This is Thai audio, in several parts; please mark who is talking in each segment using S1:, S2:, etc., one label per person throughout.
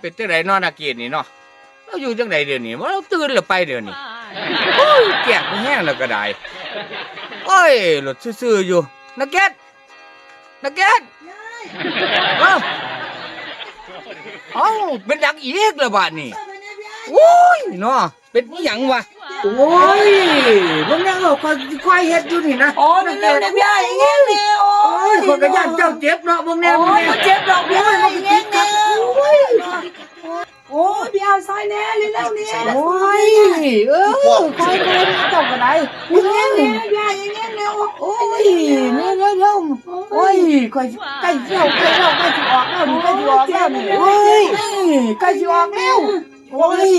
S1: เป็นจังได๋เนาะนักเกียรตินี่เนาะเราอยู่จังไดเดี๋ยวนี้ว่าเราตื่นแล้วไปเดี๋ยวนี้โอ้ยแก่แห้งแล้วก็ได้โอ้ยรถซื่อๆอยู่นักเกียรติเอ้าเอ้าเป็นดังอีกแล้วบาดนี้โอ้ยเนาะเป็นอีหยังวะโอ้ยมึงยังเอาค่อยเฮ็ดอยู่นี่นะ
S2: โอ้ยเร็วๆพี่อย่างเงี้ยเร็วโอ้ย
S1: คนก็ย่านเจ้าเจ็บเนาะมึงแน่
S2: โอ้
S1: มึง
S2: ย
S1: แน่
S2: มันเจ็บดอกพี่อย่างเงี้ยเร็วโอ้ยพี่เอาซอยแน่เร็วๆเนี่ย
S1: โอ้ยค่อยเจ้าก็ได้
S2: อย่างเงี้ยเร็วพี่อย่างเงี้ยเร็วโอ้
S1: โอ้
S2: ย
S1: ยเนี่ยโอ้ยค่อยใกล้สิออกแล้วนี่ใกล้สิออกแล้วนี่โอ้ยใกล้สิออกแล้วโอ้ย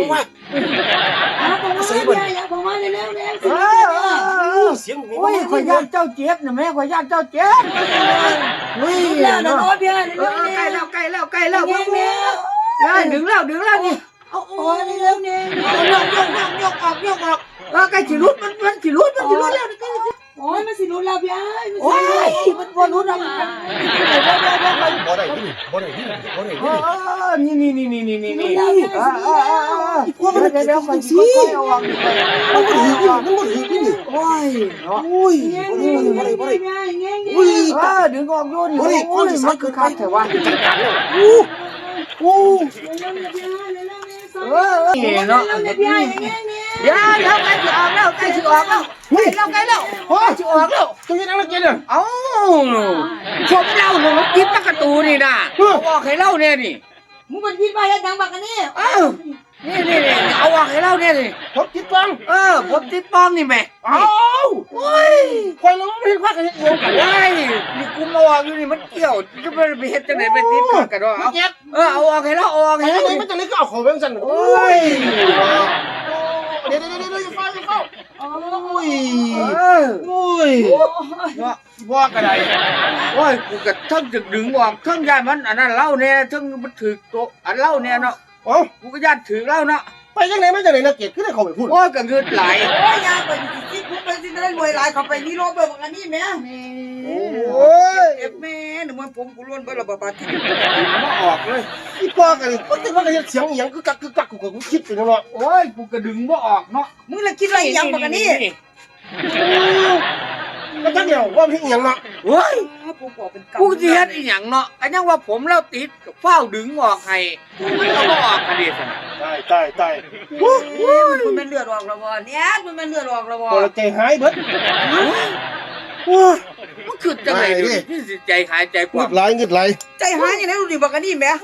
S2: ผมมาเร็วๆเนี่ย
S3: เสียง
S1: โอ้ยข่อยย่านเจ้าเจ็บนะแม่ข่อยย่านเจ้าเจ็บโอ้ย
S2: แล้วนะโอ้ยพี่เร็วๆ
S1: ใกล้
S2: เนี่ย
S1: แล้วดึงแล้วนี่
S2: โอ้ยเร็วๆเนี่ย
S1: ยกออกใกล้สิรุดมันสิรุดแล้ว
S2: โอ้ยมันสิรู้แล้วพี่
S1: โอ้ยมันบ่รุดแล้ว
S3: บ่ได้ที่บ่ได้ที่บ่ได้ที่
S1: นี่เดี๋ยวค่อยเอาออกนี่
S3: มันบ่ถือมันบ่ถือที่นี่
S1: โอ้ยเนาะ
S3: โอ้ยบ่ได้อุ้ย
S1: ดึงออกอยู่นี่โอ้ยมันคือคักแท้ว่า
S3: จัดการแล้วโอ้
S1: นี่เนาะเดี๋ยวใกล้สิออกแล้วโอ้ยสิออกแล้ว
S3: ตัวนี้นักเรียนน่ะ
S1: เอ้าชมเล่าหนูกินตะกระตูนี่นะเอาออกให้เล่าเนี่ยนี่
S2: มึงเป็นพี่ป้าเฮ็ดหยังบักกันนี่
S1: เอ้านี่เอาออกให้เล่าเนี่ยนี่
S3: ผมคิดฟัง
S1: ผมติดป้อมนี่แม่
S3: เอ้า
S1: โอ้ย
S3: คอยเราไม่เห็นว่ากันเฮ็ดงงกัน
S1: ว้ายนี่กูมาออกอยู่นี่มันเกี่ยวจะไปเฮ็ดจังไหนไปติดป้อมกันวะ
S3: เจ็บ
S1: เอาออกให้เล่าเอาออก
S3: ไอ้
S1: ให้เล่า
S3: นี่มันจะเล็กก็เอาของไปสั่น
S1: โอ้ย
S3: เดี๋ยวเข้าโอ้ยโอ้ยว่ากันได
S1: โอ้ยกูก็ทั้งจะดึงออกทั้งย่านมันอันนั้นเล่าเนี่ยทั้งมันถือโตอันเล่าเนี่ยเนาะ
S3: โอ้
S1: กูก็ย่านถือเล่าเนาะ
S3: ไปยังไงไม่จังไหนนักเกียรติขึ้นได้เข้าไปพูด
S1: โอ้ยก็เงินไหล
S2: โอ้ยยาไปสิกูไปสิได้รวยหลายเข้าไปนี่โลเบิกอันนี้แม่
S3: โอ้ย
S2: เอฟแม่หนูมันผมกูล้วนไปละบาทที่
S1: มาออกเลย
S3: อีป้ากันก็ตึกว่ากันเสียงอย่างกึกกักกูคิดไปแล้วเนาะ
S1: โอ้ยกูก็ดึงบ่ออกเนาะ
S2: มึงละคิดอะไรยังบักกันนี่
S3: ก็ทั้งเดียวว่าพี่อย่างเนาะ
S1: เฮ้ย
S2: กูบอกเป็น
S1: กูสิเฮ็ดอีหยังเนาะอันยังว่าผมแล้วติดก็เฝ้าดึงออกให้มันก็บ่ออกกันดิซั่น
S3: ตาย
S2: มันเป็นเลือดออกแล้วบ่เนี่ยมันเป็นเลือดออกแล้วบ่
S3: พอใจหายเบิด
S1: มันคือจังได๋ดิที่สิใจหายใจก
S3: เงื
S1: ว้า
S3: ดไหลเงืดไหล
S2: ใจหายอย่างนั้นดูดิบักกันนี่แม่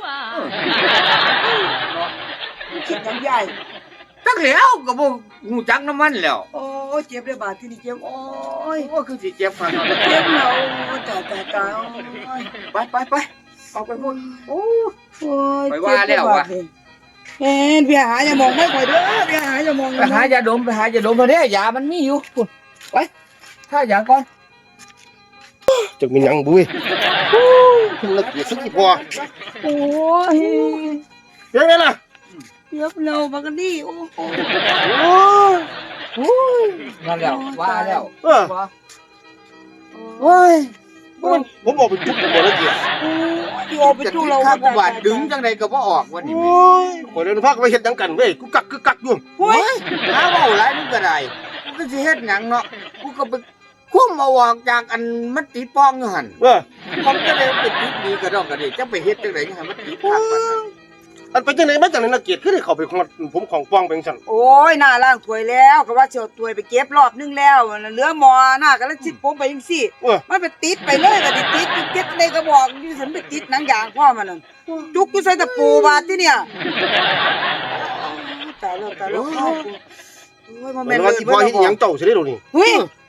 S2: คิดยังใหญ่
S1: จักแล้วก็บ่ฮู้จักน้ำมันแล้ว
S2: โอ้ยเจ็บเลยบาทที่นี่เจ็บโอ้ย
S1: โอ้คือสิเจ็บฟังเนาะ
S2: เจ็บแล้วตาย
S1: ไปออกไปพุ่นโอ้
S2: โอ้ย
S1: ไปว่าแล้วว่ะ
S2: เอ็นพี่หาอย่ามองไม่ค่อยเด้อพี่หาอย่ามอง
S1: ไปหายาดมไปเด้ยามันมีอยู่พุ่นไปถ้ายาก่อน
S3: จะมีหยังบุ้ยถึงนักเกียรติสักกี่พอ
S2: โอ้ย
S3: ยังไงล่ะ
S2: เจ็บแล้วบักกันนี่โอ้โห
S1: นั่นแล้วว่าแล้ว
S2: โอ้ย
S3: ผมบอกเป็นทุกข์บ่นักเกียรติ
S2: โอ้ไป
S1: จะ
S2: ดู
S1: กิน
S2: เรา
S1: ข้าวกูบาดดึงจังไดก็บ่ออกวันนี้
S3: โอ้ยข่อยเดินพักไปเฮ็ดหยังกันเว้ยกูกักอยู่
S2: โอ้ย
S1: หาเว้าหลายมันก็ได้กูก็สิเฮ็ดหยังเนาะกูก็ไปคุ้มเอาออกจากอันมันติดป้องอยู่หั่นผมจะได้ไปติดดีก็ดอกก็ได้จะไปเฮ็ดจังได๋ให้มันติดคักปานนั้น
S3: อันไปจังไหนมาจังไหนนักเกียรติคือได้เข้าไปของผมของป้องเป็นซั่น
S2: โอ้ยหน้าล่างถวยแล้วก็ว่าเสียวถวยไปเก็บรอบนึงแล้วเหลือหมอหน้าก็เลยจิตผมไปจังซี่มันไปติดไปเลยก็ติดเก็บในกระบอกที่ฉันไปติดหนังยางพ่อมันนั่นจุกกูใส่ตะปูบาดที่เนี่ยตายแล้วโอ้ยมันแม่น
S3: ว่าสิพอเฮ็ดหยังเจ้าสิได้ดอกนี่
S2: เฮ้ย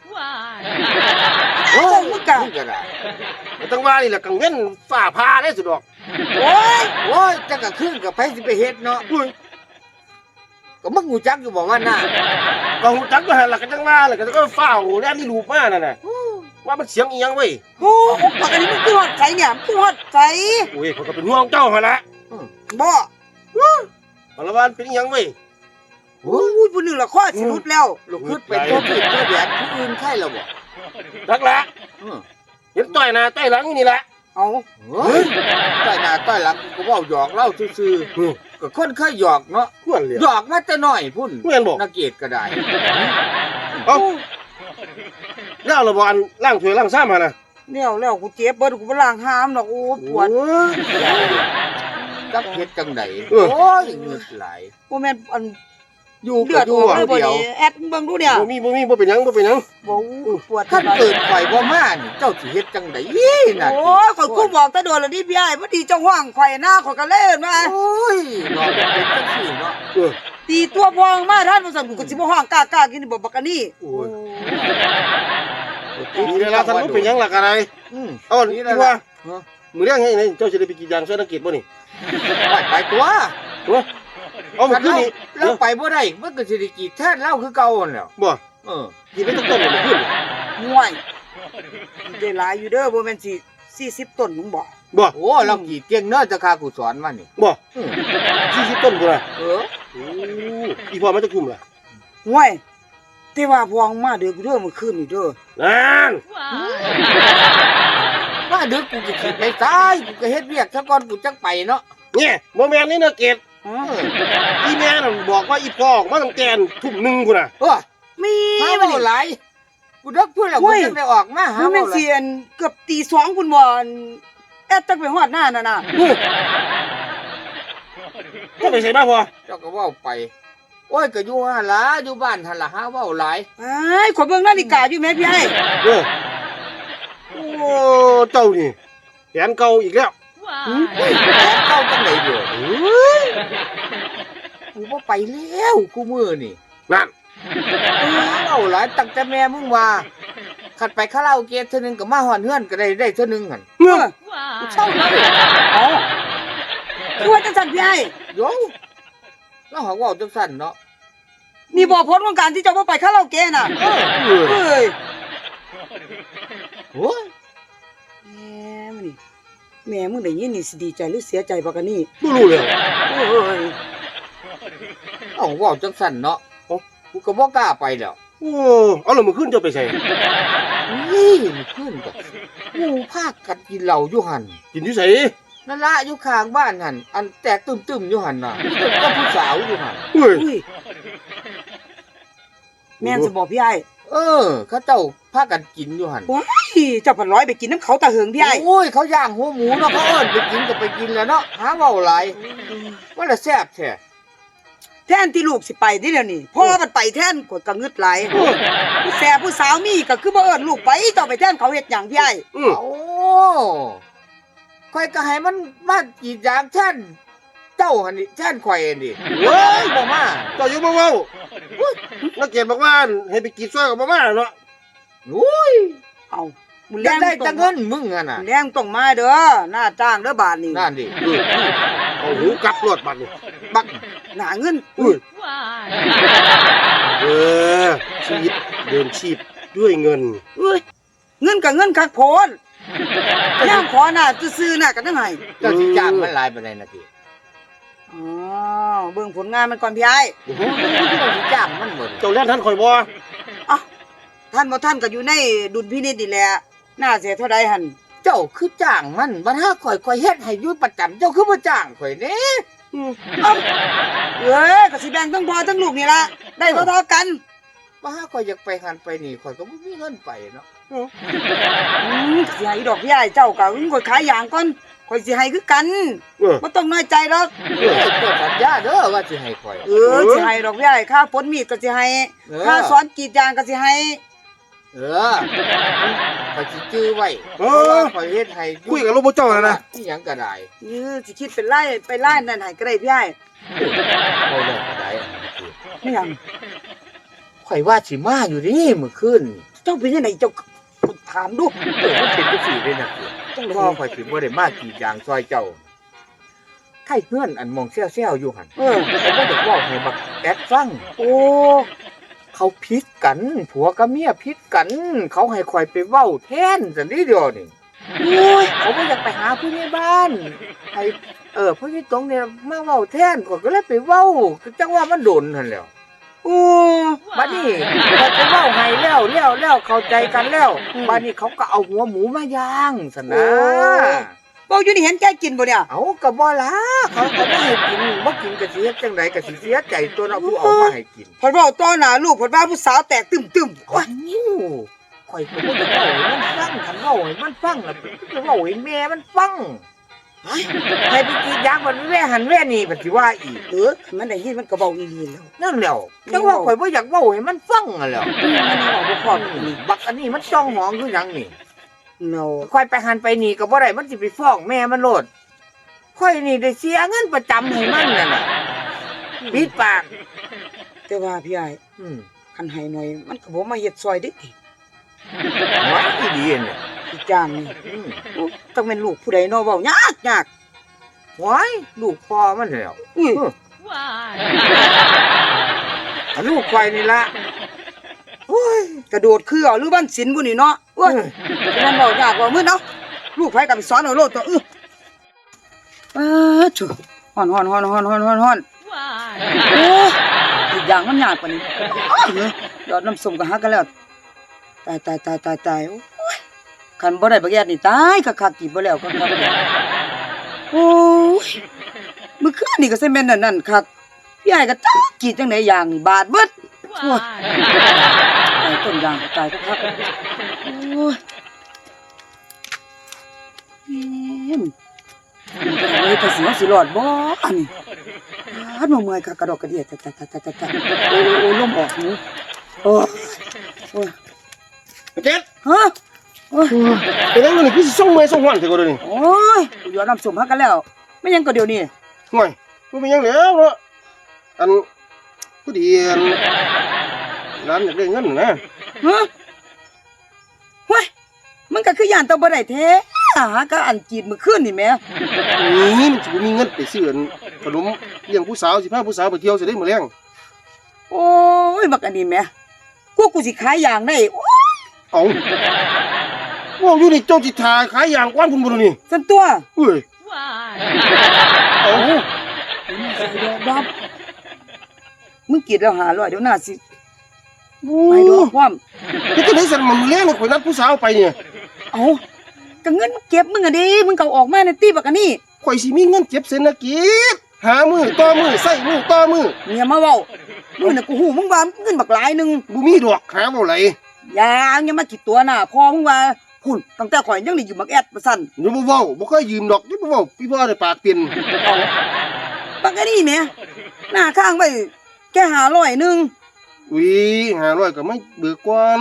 S2: โอ้ยมึงกะ
S1: มันก็ได้
S3: ตั้งว่านี่แหละกังเว้นฟ้าผ่าได้สุดดอก
S2: โอ้ย
S1: โอ้ยจังก็ขึ้นก็ไปสิไปเฮ็ดเนาะก็มึงฮู้จักอยู่บ่ว่าน่ะ
S3: ก็ฮู้จักอยู่หั่นล่ะก็จังว่าแล้วก็ฟ้าวแล้วมีรูปมานั่นน่ะว่ามันเสียงอีหยังเว้ย
S2: โอ้ปากอันนี้มันคือฮอดใจเนี่ยมันคือฮอดใจ
S3: โอ้ยผมก็เป็นห่วงเจ้าหั่นล่ะ
S2: บ่
S3: เอาละว่าเป็นอีหยังเว้ย
S2: โอ้ยผู้นึงละข้อสิรุดแล้ว
S1: ลูกขึ้นไปตัวผิดตัวแดดผู้อื่นใครแล้วบ่
S3: รักละเห็นต่อยหน้าต่อยหลังอยู่นี่แหละ
S2: เอา
S1: เฮ้ยใต้หน้าใต้หลังกูเว้าหยอกเล่าซื่อๆก็คนเคยหยอกเนาะ
S3: ควรเลย
S1: หยอกมาแต่น้อยพุ่น
S3: แม่นบ่
S1: นักเกียรติก็ได้
S3: เอ้าแล้วเราบ่อันล้างถ้วยล้างซ้ำหั่นน่ะ
S2: แล้วกูเจ็บเบิดกูบ่ล้างหามดอกโอ้ปวด
S3: โอ้ย
S1: จักเฮ็ดจังได
S3: เออ
S1: โอ้ยเงือกไหล
S2: บ่แม่นอัน
S1: อยู่
S2: เลื
S1: กั
S2: อบ ด
S1: อ
S2: อยู่ อกเลยบ่
S1: เดียว
S2: นี่แอดเบิ่งดูเนี่ย
S3: บ่เป็นหยังบ่เป็นหยัง
S2: บ่ปวด
S1: ถ้าเกิดไฟบ่มานี่เจ้าสิเฮ็ดจังไดน่ะ
S2: โอ้ยข่อยกูบอกแต่โดนแล้วนี่พี่อ้ายบ่ดีเจ้าห้องข่อยหน้าข่อยก็เล่นมา
S1: โอ้ยเนาะเป็นจังซี่เนาะ
S3: เออ
S2: ตีตัวพองมาท่านบ่สั่นกูก็สิบ่ห้องกล้ากินนี่บ่บักอันนี้
S3: โอ้ยทีนี้ล่ะท่านบ่เป็นหยังล่ะกันได
S1: อืม
S3: เอา
S1: นี่
S3: นี่
S1: แหละ
S3: ว่า
S1: เนาะ
S3: มื้อแรงให้ไหนเจ้าสิได้ไปกินยางซอยนักเกียรติบ่นี่
S1: ไปตัว
S3: โอ้เอามื้อคืนนี้
S1: เราไปบ่ได้มันก็สิได้กี่แท้นเล่าคือเก่าหั่นแหล้ว
S3: บ่
S1: เออ
S3: กินไปตั้งต้นมื้อคืนนี่
S2: ห่วยได้หลายอยู่เด้อบ่แม่นสิ40ต้นมึงบ่
S3: บ่
S1: โอ้เรากี่เก่งเนาะจะคากูสอนมานี่
S3: บ่
S1: อืม
S3: 40ต้นพุ่นน่ะ
S1: เออ
S3: โอ้อีพ่อมันจะคุ้มล่ะ
S2: ห่วยแต่ว่าพองมาเด้อกูเด้อมื้อคืนนี่เด้อ
S3: นั่น
S1: มาดึกกูก็สิไปตายกูก็เฮ็ดเวียกซะก่อนกูจังไปเนาะ
S3: เนี่ยบ่แม่นนี่นักเกียรติ
S2: อ๋อ
S3: อีแม่น่ะบอกว่าอีพ่อออกมาตั้งแต่ทุ่มหนึงพุ่นน่ะ
S1: เออ
S2: มี
S1: หา
S2: บ่
S1: เว้า
S2: นี่
S1: หลายกูดึกพูดแล้วกูจังได้ออกมาหา
S2: มันแม่
S1: เว้าน หลา
S2: สิ
S1: ย
S2: อันเกือบตี2พุ่นบ่อันแอดตักไปฮอดหน้านั่นน่ะ
S3: ก็ไปใส่มาพ่อ
S1: เจ้าก็เว้าไป โอ้ยก็อยู่หั่นล่ะอยู่บ้านหั่นล่ะหาเว้าหลาย
S2: ไอ้ยขอยเบิ่งนาฬิกาอยู่แม่พี่ไอ้
S3: เออโอ้เจ้านี่แผนเก่าอีกแล้ว
S1: เฮ้ยแผนเข้าจังไดเด้อ
S3: เอ้ย
S1: กูบ่ไปแล้วกูมื้อนี่
S3: นั่น
S1: เว้าหลายตั้งแต่แม่มึงว่าคันไปคาราโอเกะเทื่อนึงก็มาฮอดเฮือนก็ได้เทื่อนึงหั่น
S3: เงื่อ
S1: กูเช่าเลย
S2: เอาคือว่าจังซั่นพี่ไอ้
S1: โยแล้วหาเว้าจังซั่นเนาะ
S2: นี่บ่ผลของการที่เจ้าบ่ไปคาราโอเกะน่ะ
S1: เออ
S3: เออ
S2: เอ้ย
S1: โอ้ย
S2: แม่มึงได้ยินนี่สิดีใจหรือเสียใจบักอันนี้
S3: บ่รู้เลย
S2: โอ้ย
S1: เอาเว้าจังซั่นเนาะกูก็บ่กล้าไปแล้ว
S3: โอ้เอาแล้วมื้อคืนเจ้าไปใส่
S1: นี่มันขึ้นก็หมู่พากันกินเหล้าอยู่หั่น
S3: กินอยู่ไส
S1: นั่นละอยู่ข้างบ้านหั่นอันแตกตึมๆอยู่หั่นน่ะก็ผู้สาวอยู่หั่น
S3: เฮ้ย
S2: อุ้ยแม่นสิบอกพี่ไอ้
S1: เออ เขาเจ้าพากันกินอยู่หั่น
S2: ว้ายเจ้าพันร้อยไปกินน้ำเขาตาเหิงพี่ไอ้
S1: โอ้ยเขาย่างหัวหมูเนาะเขาเอิ้นไปกินก็ไปกินแล้วเนาะหาเว้าหลายว่าละแซ่บแท้
S2: แทนที่ลูกสิไปนี่เดี๋ยวนี้พ่อมันไปแทนกดกระงึดหลายผู้แซ่ผู้สาวมีก็คือบ่เอิ้นลูกไปเจ้าไปแทนเขาเฮ็ดหยังพี่ไอ้
S3: อือ
S1: โอ้ข่อยก็ให้มันมากีดยางแท่นเจ้าหั่นนี่แท่นข่อยนี่เว้ยบ่มา
S3: เจ้าอยู่บ่เว้านักเกียรติบอกว่าให้ไปกินซอยกับบ่มาเนาะ
S1: โอ้ย
S2: เอามึง
S1: อ
S2: แร
S1: ยาก
S2: ง
S1: ได้
S2: ต้
S1: แต่
S2: อง
S1: เงินมึงอ่ะน่ะ
S2: แรงต้องมาเด้อหน้าจ้างเด้อบาทนี่
S1: นั่นดิ
S3: เอาหูกลับรถบัดนี้
S1: บัก
S2: หน้าเงิน
S3: อุ้ยเออชีวิตเดินชีพด้วยเงิน
S2: เอ้ยเงินกับเงินคักโพนย่างขอหน้าซื่อๆหน้ากันจังไห้
S1: เจ้าสิจ้างมันหลายปานใดนะพี่
S2: อ๋อเบิ่งผลงานมันก่อนพี่ไอ้
S1: โอ้โหเจ้าสิจ้างมันหมด
S3: เจ้าแล่นทันข่อยบ่
S2: ท่านบ่ท่านก็อยู่ในดุลพินิจนี่แหละน่าเสียเท่าใดหั่น
S1: เจ้าคือจ้างมันบัดหาข่อยเฮ็ดให้อยู่ประจำเจ้าคือบ่จ้างข่อยเด้
S2: เอ้ยก็สิแบ่งทั้งพ่อทั้งลูกนี่ล่ะได้เท่าๆกัน
S1: บัดหาข่อยอยากไปหันไปนี่ข่อยก็บ่มีเงินไปเนาะ
S2: สิให้ดอกพี่ไอ้เจ้าก็ข่อยขายยางก่อนข่อยสิให้คือกัน
S3: เออ
S2: บ่ต้องน้อยใจหรอก
S1: เออเจ้าสัญญาเด้อว่าสิให้ข่อย
S2: สิให้ดอกพี่ไอ้ค่าฝนมีดก็สิให้
S1: เออ
S2: ค่าสอนกรีดยางก็สิให้
S1: เออข่อยสิจื้อไว้
S3: เออ
S1: ข่อยเฮ็ดให้อยู่
S3: คุยกับลูกบ่เจ้าแล้วนะ
S1: อีหยังก็ได้
S2: สิคิดเป็นไล่ไปไล่นั่นให้ก็ได้พี่ไอ้
S1: เอาเลยก็ได้อันนี้คือ
S2: ไม่หยัง
S1: ข่อยว่าสิมาอยู่นี่มื้อคืนนี่
S2: เจ้าเป็นจังไดเจ้าถามดู
S1: เออมันเป็นจังซี่เด้นะคือ
S2: จังได๋
S1: พ่อข่อยสิบ่ได้มากกี่อย่างซอยเจ้าไข่เฮือนอันมองเซี่ยวๆอยู่หั่น
S2: เออ
S1: เขาบ่ได้เว้าให้บักแอดฟัง
S2: โอ้
S1: เขาพิษกันผัวกับเมียพิษกัน เขาให้ข่อยไปเว้าแทนซั่นนี่เดียวนี่โอ้ยเขาบ่อยากไปหาผู้ใหญ่บ้านให้ผู้ใหญ่ตรงเนี่ยมาเว้าแทนข่อยก็เลยไปเว้าจังว่ามันโดนหั่นแหล้ว
S2: โ
S1: โอ้บัดนี้เขาไปเว้าให้แล้วเข้าใจกันแล้วบัดนี้เขาก็เอาหัวหมูมาย่างซั่นนะ
S2: เว้าอยู่นี่เห็นแกกินบ่เนี่ย
S1: เอาก็บ่ล่ะเขาก็บ่ให้กินบ่กินก็สิเฮ็ดจังไดก็สิเสียใจตัวเนาะผู้เอามาให้กิน
S2: เพิ่นเว้าต่อหน้าลูกเพิ่นว่าผู้สาวแตกตึมๆโอ้ย
S1: ข่อยก็บ่ได้เว้าให้มันฟังคันเว้าให้มันฟังล่ะจะเว้าให้แม่มันฟังใครไปกรีดยางมันแว่หันแว่นี่บัดสิว่าอีก
S2: มันได้ยินมันก็เว้าอีหลีแล้ว
S1: นั่นแหล้วจังว่าข่อยบ่อยากเว้าให้มันฟังอ่ะแหล้ว
S2: มันนี่เว้าบ่พร้อมอีหลี
S1: บักอันนี้มันจ้องหองคือหยังนี่
S2: เนา
S1: ข่อยไปหันไปนี่ก็บ่ได้มันสิไปฟ้องแม่มันโลดข่อยนี่ได้เสียเงินประจำให้มันนั่นน่ะปิดปาก
S2: แต่ว่าพี่ใหญ่
S1: อืม
S2: คันให้หน่อยมันก็บ่มาเฮ็ดซอยเด้ติ
S1: ไว้อีดีเนี่ย
S2: อีกอย่างนี่
S1: อืม
S2: โอ้ต้องเป็นลูกผู้ใดเนาะเว้ายาก
S1: ไว้ลูกพ่อมันแล้ว
S2: อุ้ย
S1: อันลูกข่อยนี่ล่ะ
S2: โอ้ยกระโดดคือเอาหรือบ้านศิลป์บุนี่เนาะโอ้ยฉะนั้นบอกยากว่ามื้อเนาะลูกไผก็ไปสอนเอาโลดตัวจุฮ้อนโอ้ยอีกอย่างมันยากกว่านี้ยอดน้ำส้มก็หักกันแล้วตายโอ้ยคันบ่ได้บักแยดนี่ตายคักๆกี่บ่แล้วคักๆโอ้ยมื้อคืนนี่ก็สิแม่นนั่นคักพี่ใหญ่ก็ตายกี่จังได๋อย่างนี่บาดเบิดโอ้ย ตายต้นยางก็ตายครับโอ้ยเลยแต่เสียสิรอดบ่อันนี้ฮัดมาเมื่อยค่ะกระดอกกระเดียตะโอ้ลมออกหูโอ้ย
S3: เจ็ด
S2: ฮะโอ้ย
S3: เป็นยังไงนี่คือสิส่งเมย์ส่งหวานเถอะก็เดี๋ยวนี้
S2: โอ้ยอยู่น้ำส้มฮักกันแล้วไม่ยังก็เดี๋ยวนี้
S3: ห่วยมันเป็นยังแล้วเนาะอันผู้ดีอันร้านอยากได้เงินนะ
S2: ฮะเฮ้ยมันก็คือย่านต้องบ่ได้แท้หาก็อันจีดมื้อคืนนี่แหม
S3: นี่มันจะมีเงินไปซื้อขนมเลี้ยงผู้สาวสิพาผู้สาวไปเที่ยวสิได้มื้อแรง
S2: โอ้ยบักอันนี้แหมกูสิขายอย่างได้โอ้ย
S3: เอาว่าอยู่นี่เจ้าจิทาขายอย่างกว้านพุ่นบ่นี่
S2: ซั่นตัว
S3: เอ้ยเอา
S2: ดับมึงกรีดแล้ว500เดี๋ยวหน้าสิไปดอกความ
S3: ที่จะได้สั่นมันมื้อแรงนี่ข่อยนัดผู้สาวไปเนี่ย
S2: เอาก็เงินเก็บมึงอะดิมึงก็เอาออกมาในตีบักอันนี้
S3: ข่อยสิมีเงินเก็บเศรษฐกิจหามือต่อมือใส่มือต่อมือ
S2: เมียมาเว้ามึงน่ะกูฮู้มึงว่าเงินบักหลายหนึง
S3: บ่มีดอกหาบ่ไหล
S2: อย่ามากี่ตัวน่ะพ่อมึงว่าหุ่นตั้งแต่ข่อยยังได้อยู่บักแอดประสั่น
S3: อย่าบ่เว้าบ่เคยยืมดอกอย่าบ่เว้าพี่พ่อได้ปากเปลี่ยน
S2: เอาบักอันนี้แหมหน้าข้างไว้แค่500นึง
S3: อุ้ย500ก็ไม่เบิกก่อน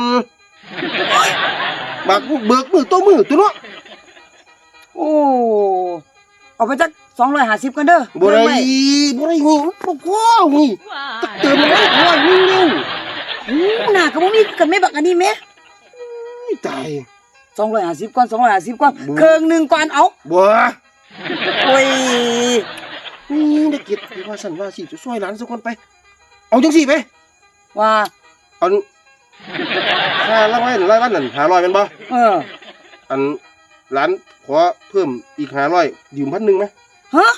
S3: บักเบิกมือต่อมือตัวเนาะ
S2: โอ้เอาไปจัก250กันเด้อ
S3: บ่ได้
S2: เบิ่งว้
S3: บ่ได้นี่บ่พอนี่ตักเติมมันร้อยนึงเร็ว
S2: หูหน้าก็บ่มีกันแม่บักอันนี้แหม
S3: อุ้ยตาย
S2: 250ก่อน250ก่อนเครื่องหนึงก่อนเอา
S3: บ่
S2: โอ้ย
S3: นี่ได้เก็บพี่ว่าสั่นว่าสิจะช่วยหลานสักคนไป เอาจังซี่ไป
S2: ว่า
S3: อันค่ารางวัลนั่น500แม่นบ่
S2: เออ
S3: อันหลานขอเพิ่มอีก500ยืม1,000มั้ย
S2: ฮะ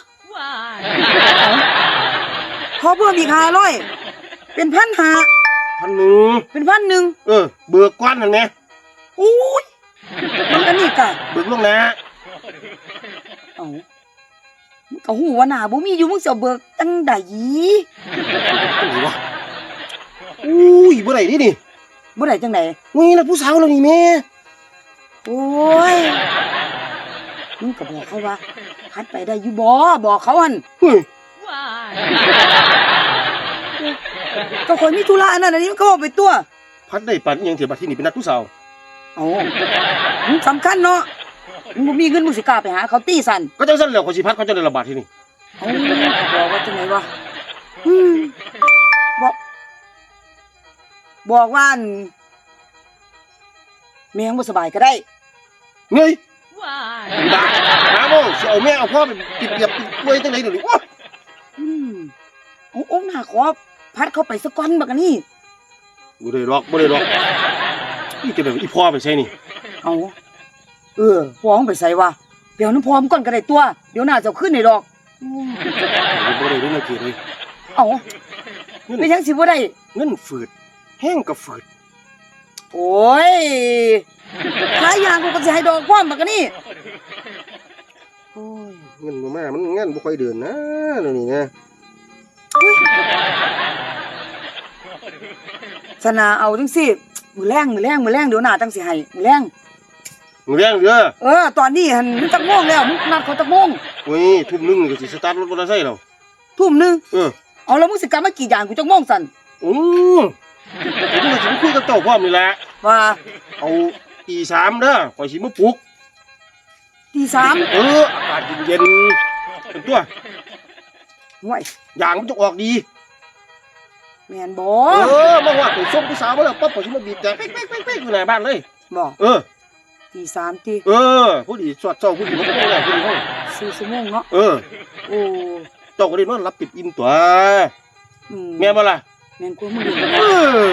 S2: ขอเพิ่มอีก500เป็น1,500
S3: 1,000
S2: เป็น1,000
S3: เบิกก่อนนั่นแหม
S2: โอ้ยมันก็นี่กะ
S3: เบิกลวงหน้า
S2: เอ้ามึงก็ฮู้ว่าหน้าบ่มีอยู่มึงสิเอาเบิกจังได๋
S3: จังไดวะอุ้ยบ่ได้นี่
S2: บ่ได้จังได๋
S3: อุ้ยแล้วผู้สาวแล้วนี่แม่
S2: โอ้ยมึงก็บอกเขาว่าพัดไปได้อยู่บ่บอกเขาหั่น
S3: เฮ้ย
S2: ก็คนมีธุระอันนั้นอันนี้มันก็บอกไปตัว
S3: พัดได้ปันอิหยังเถียบัดที่นี่เป็นนัดผู้สาว
S2: เอ้ามึงสำคัญเนาะมึงบ่มีเงินมึงสิกล้าไปหาเขาตีสั่น
S3: ก็จังซั่นแล้วขอยสิพัดเขาจะได้ระบาดที่นี่
S2: เอ้าก็บอกว่าจังไดวะอืมบอกว่าอั่นแม่งบ่สบายก็ได้
S3: เงยด่าหาโมสิเอาแม่เอาพ่อไปปิดเปียบป่วยจังได๋เดี๋ยวนี้โอ้ย
S2: อืมโอ้หน้าขอพัดเข้าไปสักก้อนบักอันนี้
S3: บ่ได้ดอกนี่จะแบบอีพ่อไปใส่นี่
S2: เอาพ่อมึงไปใส่วะเดี๋ยวน้ำพร้อมก่อนก็ได้ตัว เดี๋ยวหน้าจะเอาขึ้นในดอก
S3: บ่ได้เรื่องเกียรติเลย
S2: เอาเป็นยังสิบ่ได้
S3: เงินฝืดแห้งก็ฝืด
S2: โอ้ยขายยางกูก็สิให้ดอกพร้อมบักนี่
S3: โอ้ยเงินบ่มามันงานบ่ค่อยเดินนะเดี๋ยวนี้นะ
S2: สนาเอาจังสิมื้อแรงเดี๋ยวหน้าจังสิให้มื้อแรง
S3: มึงเลี้ยงเด้อ
S2: ตอนนี้หันมันจักโมงแล้วมึงนัดเขาจักโมง
S3: โอ้ยทุ่มหนึงนี่ก็สิสตาร์ทรถมอเตอร์ไซค์แล้ว
S2: ทุ่มหนึง
S3: อ
S2: เอาแล้วมึงสิกลับมากี่ยางกูจักโมงสั่น
S3: ผมก็สิมาคุยกับเจ้าพร้อมนี่แหละ
S2: ว่า
S3: เอาตี3เด้อข่อยสิมาปลุก
S2: ตีสาม
S3: อากาศเย็นๆเป็นตัว
S2: ห่วย
S3: ยางมันจะออกดี
S2: แม่นบ่
S3: มาว่าไปส่งผู้สาวมาแล้วปั๊บข่อยสิมาบีบแต่เป๊กๆๆอยู่หน้าบ้านเลย
S2: บ่ ตีสามตี
S3: ผู้ดีสวดเจ้าผู้ดีมันก็บ่ได้ผู้ดีเฮา
S2: 4 ชั่วโมงเนาะโอ้
S3: เจ้าก็ได้นอนรับปิดอิ่มตัว
S2: อืม
S3: แม่นบ่ล่ะ
S2: แม่นกูมึงอยู่
S3: เออ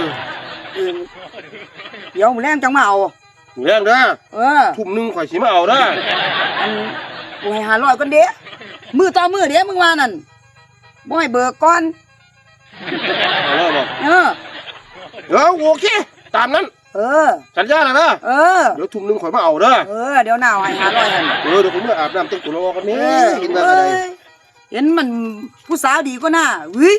S2: เดี๋ยวมื้อแรงจังมาเอา
S3: เลี้ยงเด้อ ทุ่มหนึงข่อยสิมาเอาเด้อ
S2: อันกูให้500ก่อนเด้มือต่อมือเด้มึงว่านั่นบ่ให้เบิกก่อน
S3: เอาแล้วบ่ โอเคตามนั้น สัญญาแล้วนะ เดี๋ยวทุ่มหนึงข่อยมาเอาเด้อ
S2: เดี๋ยวหน้าให้500หั่น
S3: เดี๋ยวผมมาอาบน้ำแต่งตัวรอกันนี่เห็นว่าอะไร
S2: เห็นมันผู้สาวดีกว่าหน้าเฮ้ย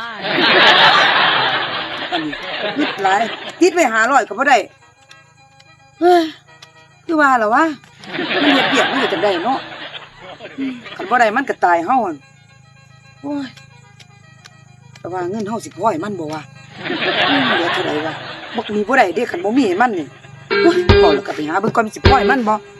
S2: อันนี้นิดหลายติดไว้500ก็บ่ได้เฮ้ยคือว่าล่ะวะมันเฮ็ดเบียกมันก็จังได้เนาะคันบ่ได้มันก็ตายเฮาหั่นโอ้ยแต่ว่าเงินเฮาสิพอให้มันบ่วะเหลือเท่าไหร่วะบักมีบ่ได้เด้คันบ่มีให้มันนี่โอ้ยพอแล้วก็ไปหาเบิ่งก่อนมันสิพอให้มันบ่